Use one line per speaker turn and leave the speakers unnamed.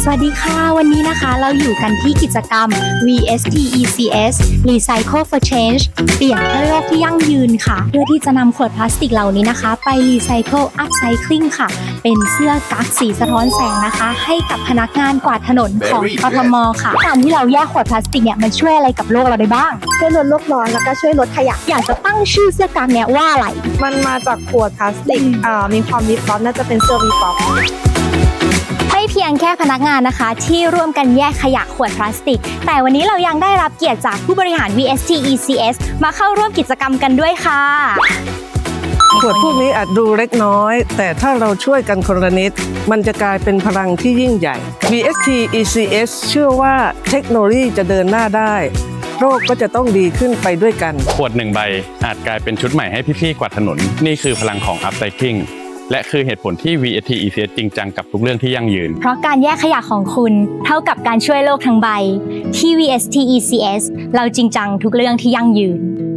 วัสดีค่ะวันนี้นะคะเราอยู่กันที่กิจกรรม VST ECS Recycle for Change เปลี่ยนเพื่อโลกที่ยั่งยืนค่ะเพื่อที่จะนำขวดพลาสติกเหล่านี้นะคะไป Recycle Upcycling ค่ะเป็นเสื้อกั๊กสีสะท้อนแสงนะคะให้กับพนักงานกวาดถนนของกทมค่ะการที่เราแยกขวดพลาสติกเนี่ยมันช่วยอะไรกับโลกเราได้บ้าง
ช่วยลดโลกร้อนแล้วก็ช่วยลดขยะ
อยากจะตั้งชื่อเสื้อกั๊กเนี่ยว่าอะไร
มันมาจากขวดพลาสติกมีความวิบวับน่าจะเป็นเสื้อวิบวับ
ไม่เพียงแค่พนักงานนะคะที่ร่วมกันแยกขยะขวดพลาสติกแต่วันนี้เรายังได้รับเกียรติจากผู้บริหาร VST ECS มาเข้าร่วมกิจกรรมกันด้วยค่ะ
ขวดพวกนี้อาจดูเล็กน้อยแต่ถ้าเราช่วยกันคนละนิดมันจะกลายเป็นพลังที่ยิ่งใหญ่ VST ECS เชื่อว่าเทคโนโลยีจะเดินหน้าได้โลกก็จะต้องดีขึ้นไปด้วยกัน
ขวด1ใบอาจกลายเป็นชุดใหม่ให้พี่ๆกวาดถนนนี่คือพลังของ Upcycling และคือเหตุผลที่ VST ECS จริงจังกับทุกเรื่องที่ยั่งยืน
เพราะการแยกขยะของคุณเท่ากับการช่วยโลกทั้งใบที่ VST ECS เราจริงจังทุกเรื่องที่ยั่งยืน